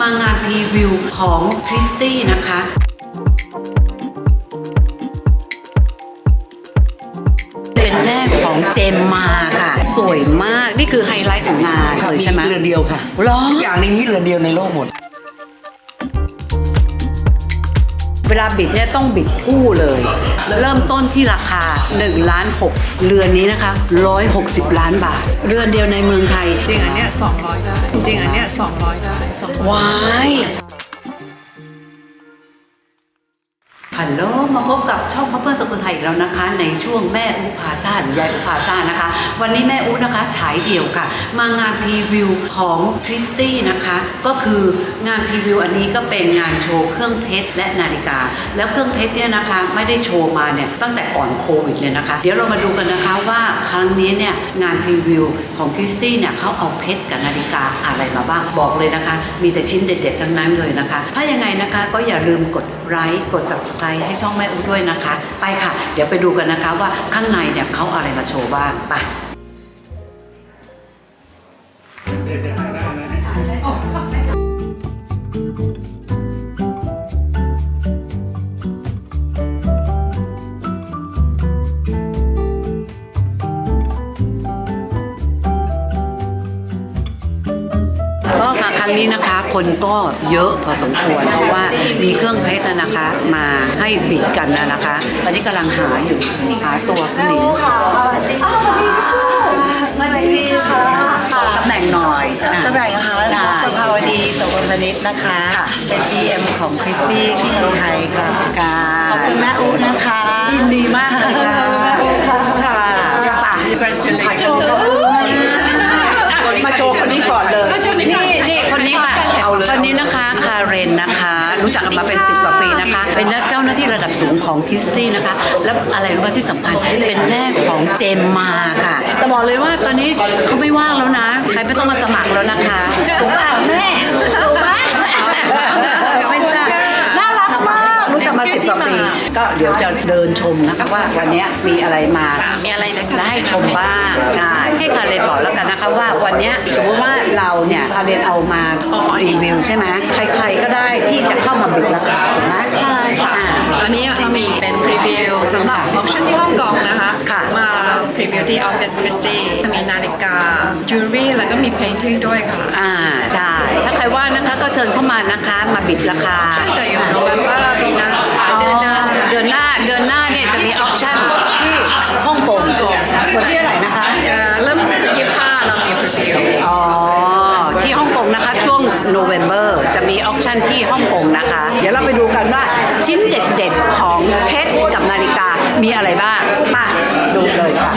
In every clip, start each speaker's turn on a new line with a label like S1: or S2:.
S1: างานพรีวิวของคริสตี้นะคะเป็นแม่ของเจมมาค่ะสวยมากนี่คือไฮไลท์ของงานเลยใช่ไหม
S2: เรือนเดียวค่ะ
S1: หรอ
S2: ทุกอย่างในนี้เรือนเดียวในโลกหมด
S1: เวลาบิดเนี่ยต้องบิดคู่เลย เริ่มต้นที่ราคา1.6 ล้านเรือนนี้นะคะ160 ล้านบาทเรือนเดียวในเมืองไทย
S3: จริงอันเนี้ย200ได้จริงอันเนี้ย200ได้200
S1: ว้ายฮัลโหลมาพบกับช่องเพื่อนสกุลไทยอีกแล้วนะคะในช่วงแม่อุพาซ่าหรือยายอุพาซ่านะคะวันนี้แม่อุนะคะฉายเดี่ยวค่ะมางานพรีวิวของคริสตี้นะคะก็คืองานพรีวิวอันนี้ก็เป็นงานโชว์เครื่องเพชรและนาฬิกาแล้วเครื่องเพชรเนี่ยนะคะไม่ได้โชว์มาเนี่ยตั้งแต่ก่อนโควิดเลยนะคะเดี๋ยวเรามาดูกันนะคะว่าครั้งนี้เนี่ยงานพรีวิวของคริสตี้เนี่ยเขาเอาเพชรกับนาฬิกาอะไรมาบ้างบอกเลยนะคะมีแต่ชิ้นเด็ดๆทั้งนั้นเลยนะคะถ้ายังไงนะคะก็อย่าลืมกดไลค์กด Subscribeให้ช่องแม่อูด้วยนะคะไปค่ะเดี๋ยวไปดูกันนะคะว่าข้างในเนี่ยเขาอะไรมาโชว์บ้างไปก็มาครั้งนี้นะคะคนก็เยอะพอสมควรเพราะว่ามีเครื่องเพชรนะคะมาให้บิดกันนะคะตอนนี้กำลังหาอยู่หาตัวผู้หญิงมาดีค่ะตำแหน่งหน่อย
S4: ตำแหน่งนะคะสภาวดีโสพลพนิชนะคะเป็น GM ของคริสตี้ที่เมืองไทยค่ะขอบคุณแม่อูนะคะ
S1: ยินดีมากเลยค่ะค่ะมาโชว์คนนี้ก่อนเลยนี่คนนี้ค่ะคนนี้นะคะคาเรนนะคะรู้จักกันมาเป็น10 กว่าปีนะคะเป็นเจ้าหน้าที่ระดับสูงของคริสตี้นะคะแล้วอะไรรู้ไหมที่สำคัญเป็นแม่ของเจมมาค่ะแต่บอกเลยว่าตอนนี้เขาไม่ว่างแล้วนะใครไม่ต้องมาสมัครแล้วนะคะถูกป่ะแม่ถูกป่ะไม่ทราบน่ารักมากรู้จักมา10 กว่าปีก็เดี๋ยวจะเดินชมนะคะว่าวันนี้มีอะไรมาและให้ชมบ้างใช่ให้คาเรนบอกแล้วกันนะคะว่าวันนี้สมมติว่าเราเนี่ยคาเรนเอามารีวิวใช่ไหมใครๆก็ได้ที่จะเข้ามาบิดราคาถูกไหม
S3: ใช่ค่ะตอนนี้เรามีเป็นพรีวิวสำหรับออคชั่นที่ฮ่องกงนะคะมาพรีวิวที่ออฟฟิศคริสตี้มีนาฬิกาจูเรี่แล้วก็มีเพนติ้งด้วยค่ะ
S1: ใช่ถ้าใครว่านะคะก็เชิญเข้ามานะคะมาบิดราคา
S3: จะอยู่โนเวมเบอร์ปีหน้า
S1: เดือนหน้าเนี่ยจะมีออคชั่นที่ฮ่องกงวันที่เท่าไหร่นะคะ
S3: เริ่มที่25เรามีพรีวิว
S1: ที่ฮ่องกงนะคะช่วงโนเวมเบอร์จะมีออคชั่นที่ฮ่องกงนะคะเดี๋ยวเราไปดูกันว่าชิ้นเด็ดๆของเพชรกับนาฬิกามีอะไรบ้างมาดูเลยค่ะ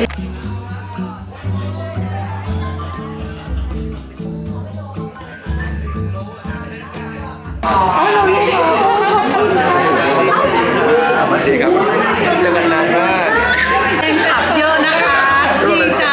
S2: สวัสดีครับเจอกันนานมาก
S1: แฟนคลับเยอะนะคะดีใจ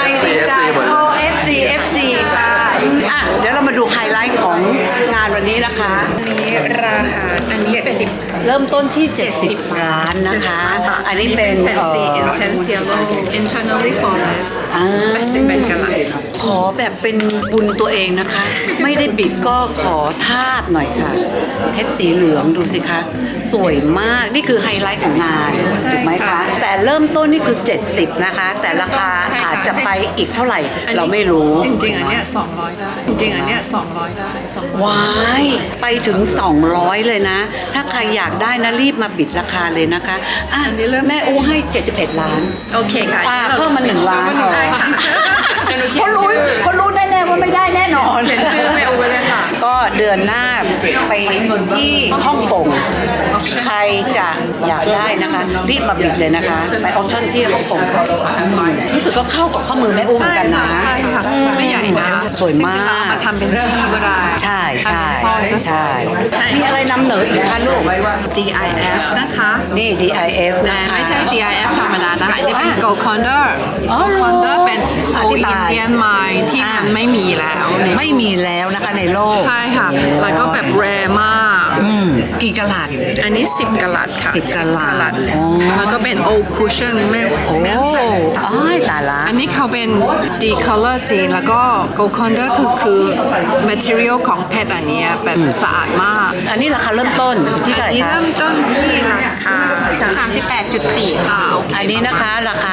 S1: FC ค่ะเดี๋ยวเรามาดูไฮไลท์ของงานวันนี้นะคะ
S3: นี้ราคาอันนี้
S1: เริ่มต้นที่70 ล้านนะคะอันนี้เป็น
S3: Fancy Intense Yellow Internally Flawless 80 เป็นกะลัด
S1: ขอแบบเป็นบุญตัวเองนะคะไม่ได้บิดก็ขอทาบหน่อยค่ะเพชรสีเหลืองดูสิคะสวยมากนี่คือไฮไลท์ของงานถูกไหมคะแต่เริ่มต้นนี่คือ70นะคะแต่ราคาอาจจะไปอีกเท่าไหร่เราไม่รู้
S3: จริงๆอันเนี้ย200ได้จริงๆอันเนี้ย200ได้
S1: ว้ายไปถึง200เลยนะถ้าใครอยากได้นะรีบมาบิดราคาเลยนะคะอันนี้แม่อู้ให้71 ล้าน
S3: โอเคค่ะ
S1: เพิ่มมา1 ล้านเขารู้แน่ๆว่าไม่ได้แน่นอน
S3: เขียนชื่อแม่อู้ไว้เลยค่ะ
S1: ก็เดือนหน้าไปที่ฮ่องกงใครจะอยากได้นะคะรีบมาบิดเลยนะคะไปออคชั่นที่ฮ่องกงรู้สึกก็เข้ากับข้อมือแม่อู้เหมือนกันนะ
S3: ใช่ค่ะไม่ใหญ่นะ
S1: สวยมาก
S3: มาทำเป็นจี้ก็ได้
S1: ใช่มีอะไรนำเหนออีกคะลูก
S3: DIF นะคะ
S1: นี่ DIF
S3: แต่ไม่ใช่ DIF ธรรมดานะคะนี่เป็น Gold Condor เป็น Gold Indian Mine ที่มันไม่มีแล้ว
S1: นะคะในโลก
S3: ใช่ค่ะแล้วก็แบบแรร์มาก
S1: กี่กะลัด
S3: อันนี้ 10 กะลัดค่ะ
S1: 10 กะลัด
S3: มันก็เป็น old cushion แม่ใส่
S1: อ๋อตายละ
S3: อันนี้เขาเป็น decolor จริงแล้วก็ gold condor คือ material ของเพชรอันเนี้ยแบบสะอาดมาก
S1: อันนี้ราคาเริ่มต้นที่เท่าไหร่
S3: อันนี้
S1: คะ
S3: เริ่มต้นที่ราคา 38.4 ค่ะ
S1: อันนี้นะคะราคา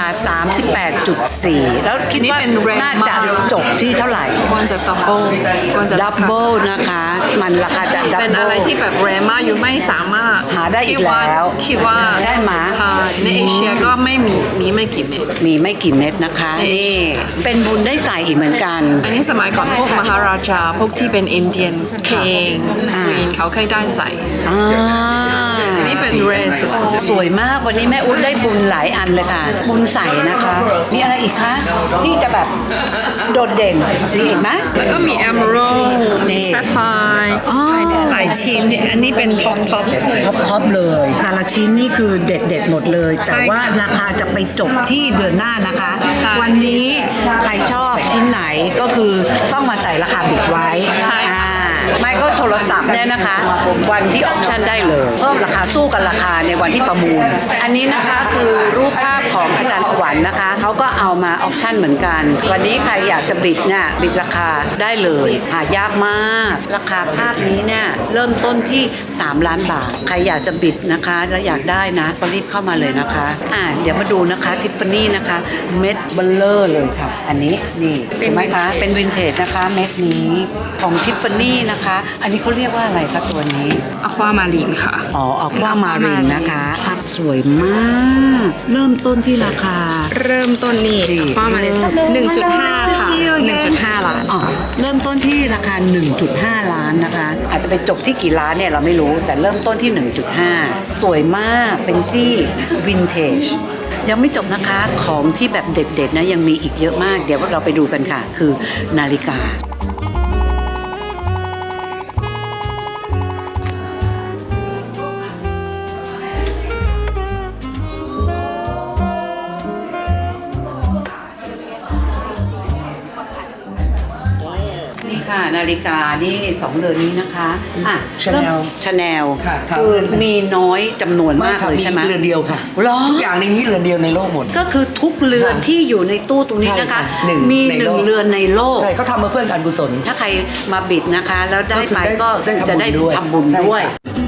S1: 38.4 แล้วคิดว่า
S3: อันนี้เป็น rare
S1: น่าจะ
S3: มาก
S1: จบที่เท่าไหร่
S3: ควรจะ double ควรจะ
S1: ดับเบิลนะคะ มันราคาจะดับ
S3: เป็น
S1: เบิ
S3: อะไร
S1: ล
S3: ที่แบบ rare มากอยู่ไม่สามารถ
S1: หาได้อีกแล้ว
S3: คิดว่า
S1: ใช่ไหม
S3: ใช่ในเอเชียก็ไม่มีไม่กี่เม็ด
S1: มีไม่กี่เม็ดนะคะ นี่ เป็นบุญได้ใส่อีกเหมือนกัน
S3: อันนี้สมัยก่อนพวกมหาราชาพวกที่เป็นอินเดียนเคงควีนเขาเคยได้ใส่
S1: อ่า
S3: อันนี้เป็น rare สุด
S1: สวยมากวันนี้แม่อุ๊ดได้บุญหลายอันเลยค่ะ บุญใส่นะคะ มีอะไรอีกคะที่จะแบบโดดเด่นมีอีกไหม
S3: ๆแล้วก็มี emerald
S1: นี่
S3: มี sapphire
S1: อ๋อ
S3: หลายชิ้นอันนี้เป็นท็อป
S1: ท็อปเลยแต่ละชิ้นนี่คือเด็ดหมดเลย แต่ว่าราคาจะไปจบที่เดือนหน้านะคะ
S3: ใช่
S1: วันนี้ใครชอบชิ้นไหนก็คือต้องมาใส่ราคาบิดไว้
S3: ใช่ค่ะ
S1: ไม่ก็โทรศัพท์เนี่ยนะคะ วันที่ออปชั่นได้เลย เพิ่มราคาสู้กันราคาในวันที่ประมูล อันนี้นะคะคือรูปภาพของอาจารย์ขวัญนะคะเขาก็เอามาออปชั่นเหมือนกัน วันนี้ใครอยากจะบิดเนี่ยบิดราคาได้เลยหายากมาก ราคาภาพนี้เนี่ยเริ่มต้นที่ 3 ล้านบาท ใครอยากจะบิดนะคะแล้วอยากได้นะก็รีบเข้ามาเลยนะคะเดี๋ยวมาดูนะคะทิฟฟานี่นะคะเม็ดเบลเลอร์เลยค่ะ อันนี้นี่เห็นไหมคะเป็นวินเทจนะคะเม็ดนี้ของทิฟฟานี่นะคะ อันนี้เขาเรียกว่าอะไรคะตัวนี้
S3: อะความารีนค่ะ
S1: อ๋อออกว่ามารินนะคะสวยมาก เริ่มต้นที่ราคา
S3: เริ่มต้นนี่ประมาณ1.5 ค่ะ 1.5 ล้าน
S1: อ๋อเริ่มต้นที่ราคา 1.5 ล้านนะคะ อาจจะไปจบที่กี่ล้านเนี่ยเราไม่รู้ แต่เริ่มต้นที่ 1.5 สวยมากเป็นจี้วินเทจยังไม่จบนะคะของที่แบบเด็ดๆนะยังมีอีกเยอะมาก เดี๋ยวเราไปดูกันค่ะ คือนาฬิกา นี่ค่ะนาฬิกานี่2เรือนนี้นะคะChanel
S2: ค่ะครับ
S1: คือมีน้อยจำนวนมากเลยใช่ไหม
S2: เรือนเดียวค่ะ
S1: หรอ
S2: ทุกอย่างในนี้เรือนเดียวในโลกหมด
S1: ก็คือทุกเรือนที่อยู่ในตู้ตรงนี้นะคะ
S2: ใช่ค่ะหนึ่ง
S1: มี
S2: ในโลก
S1: 1เรือนในโลก
S2: ใช่เขาทำมาเพื่อการกุศล
S1: ถ้าใครมาบิดนะคะ แล้วได้ไปก็
S2: ได้
S1: จะได้
S2: ทำบุญด้วย
S1: ทำบุญด้วย
S2: ใช่ค่ะ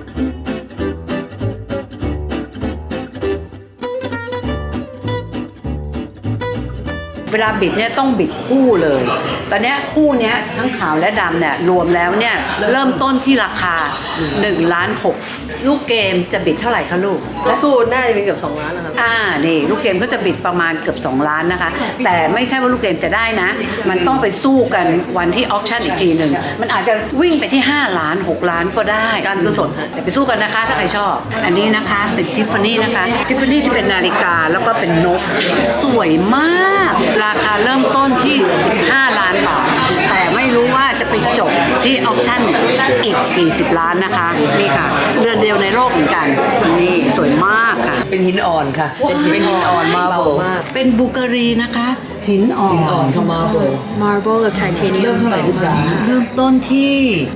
S1: เวลาบิดเนี่ยต้องบิดคู่เลย ตอนเนี้ยคู่เนี้ยทั้งขาวและดำเนี่ยรวมแล้วเนี่ยเริ่มต้นที่ราคา1.6 ล้านลูกเกมจะบิดเท่าไหร่คะลูก
S5: ก็สู้น่าจะมีเกือบ2 ล้านนะครับ
S1: นี่ลูกเกมก็จะบิดประมาณเกือบ2 ล้านนะคะ แต่ไม่ใช่ว่าลูกเกมจะได้นะ มันต้องไปสู้กันวันที่ออคชั่นอีกทีหนึ่งมันอาจจะวิ่งไปที่5 ล้าน 6 ล้านก็ได้การกุศลแต่ไปสู้กันนะคะถ้าใครชอบ อันนี้นะคะเป็นทิฟฟานี่นะคะทิฟฟานี่ที่เป็นนาฬิกาแล้วก็เป็นนกสวยมาก ราคาเริ่มต้นที่ 15 ล้านบาทแต่ไม่รู้ว่าจะไปจบที่ออคชั่นอีกกี่สิบล้านนะคะนี่ค่ะเรือนเดียวในโลกเหมือนกันนี่สวยมากค่ะ
S2: เป็นหินอ่อนค่ะ เป็นหินอ่อนมาโบ
S1: เป็นบูการีนะคะ หินอ่อน
S2: หินอ่อนค่ะมาโบ
S6: Marble กับ Titanium
S2: เริ่มเท่าไหร่ลูกจ๋า
S1: เริ่มต้นที่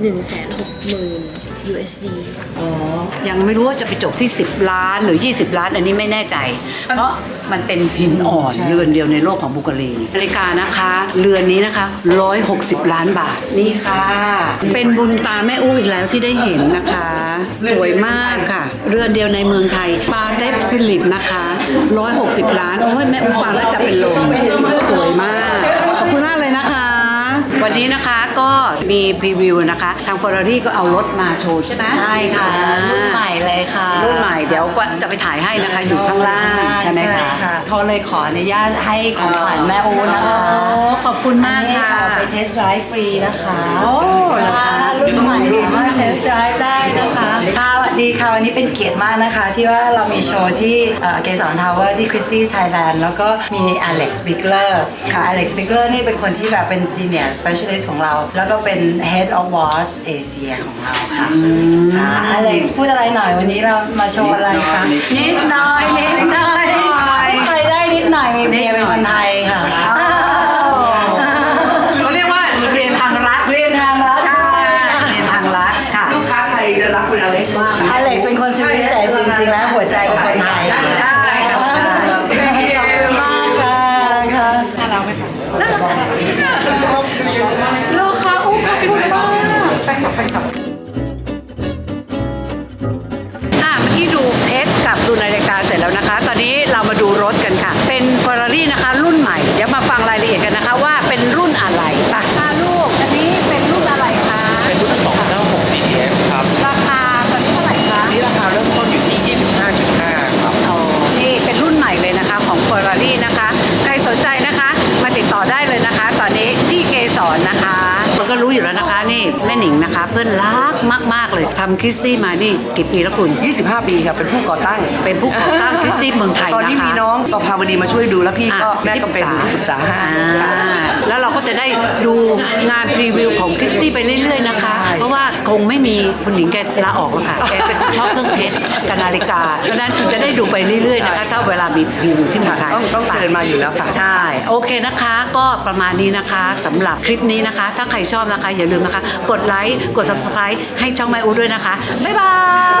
S6: 160,000 USD
S1: ยังไม่รู้ว่าจะไปจบที่ 10 ล้านหรือ 20 ล้าน อันนี้ไม่แน่ใจ เพราะมันเป็นหินอ่อนเรือนเดียวในโลกของบูการีนาฬิกานะคะ เรือนนี้นะคะ160 ล้านบาทนี่ค่ะ เป็นบุญตาแม่อู้อีกแล้วที่ได้เห็นนะคะ สวยมากค่ะ เรือนเดียวในเมืองไทยปาเต็ฟิลิปนะคะ160 ล้านโอ้ยแม่อู้ฟังแล้วจะเป็นลมสวยมากขอบคุณมากเลยนะคะ วันนี้นะคะก็มีพรีวิวนะคะ ทาง Ferrari ก็เอารถมาโชว์ใช่ไหม
S4: ใช่ค่ะรุ่นใหม่เลยค่ะ
S1: รุ่นใหม่เดี๋ยวก็จะไปถ่ายให้นะคะอยู่ข้างล่างใช่ไหมคะ
S4: เขาเลยขออนุญาตให้ของขวัญแม่อูนะคะ
S1: ขอบคุณมากค่ะ
S4: อันนี้ขอไปเทสต์ไดรฟ์ฟรีนะคะ
S1: โอ้เหรอคะ
S4: รุ่นใหม่สามารถเทสต์ไดรฟ์ได้นะคะค่ะสวัสดีค่ะวันนี้เป็นเกียรติมากนะคะ ที่ว่าเรามีโชว์ที่เกสรทาวเวอร์ที่คริสตี้ไทยแลนด์แล้วก็มีอเล็กซ์บิกเลอร์ค่ะอเล็กซ์บิกเลอร์นี่เป็นคนที่แบบเป็น Senior Specialist ของเรา แล้วก็เป็น Head of Watch Asia ของเราค่ะอเล็กซ์พูดอะไรหน่อยวันนี้เรามาโชว์อะไรคะนิดหน่อยนิดหน่อยใครได้นิดหน่อยมีเมียเป็นคนไทยค่ะ
S1: เขาเรียกว่าเรียนทางรัฐ
S4: เรียนทางรัฐ
S1: ใช่เรียนทางรัฐค่ะ
S2: ลูกค้าไทยจะรัก
S5: คุณอเล็กซ์มาก
S4: อเล็กซ์เป็นคนสวิสแต่จริงๆแล้วหัวใจเป็นคนไทย
S1: ใช่ค่ะ
S4: ขอบคุณมากค่ะค่ะ
S3: น่ารักไหมคะ
S1: โลคาอุ้มขอบคุณมากเมื่อกี้ดูเพชรกับดูนาฬิกาเสร็จแล้วนะคะ ตอนนี้เรามาดูรถกันค่ะ เป็น Ferrari นะคะรุ่นใหม่ เดี๋ยวมาฟังรายละเอียดกันนะคะว่าเป็นรุ่นอะไรป่ะลูก อันนี้เป็นรุ่นอะไรคะ
S2: เป็นรุ่น296 GTS ครับ
S1: ราคาตอนนี้เท่าไหร่คะ
S2: นี่ราคาเริ่มต้นอยู่ที่ 25.5 ครับ
S1: นี่เป็นรุ่นใหม่เลยนะคะของ Ferrari นะคะ ใครสนใจนะคะมาติดต่อได้เลยนะคะ ตอนนี้ที่เกสรนะคะเราก็รู้อยู่แล้วนะคะนี่แม่หนิงนะคะ เพื่อนรักมากๆเลยทำคริสตี้มานี่กี่ปีแล้วคุณ
S5: 25 ปีครับเป็นผู้ก่อตั้ง
S1: เป็นผู้ก่อตั้งคริสตี้เมืองไทยนะคะ
S5: ตอนที่มีน้องประภาวดีมาช่วยดูแล้วพี่ก็แม่ก็เป็นที่ปรึกษาให้
S1: แล้วเราก็จะได้ดูงานพรีวิวของคริสตี้ไปเรื่อยๆนะคะ เพราะว่าคงไม่มีคุณหญิงแกลาออกแล้วค่ะ แกเป็นคนชอบเครื่องเพชรกับนาฬิกาเพราะฉะนั้นจะได้ดูไปเรื่อยๆนะคะ ถ้าเวลามีพรีวิวที่เมืองไทย
S5: ต้องเชิญมาอยู่แล้วค่ะ
S1: ใช่ โอเคนะคะ ก็ประมาณนี้นะคะสำหรับคลิปนี้นะคะ ถ้าใครชอบนะคะ อย่าลืมนะคะ กดไลค์ กด subscribe ให้ช่องแม่อูด้วยนะคะ บ๊ายบาย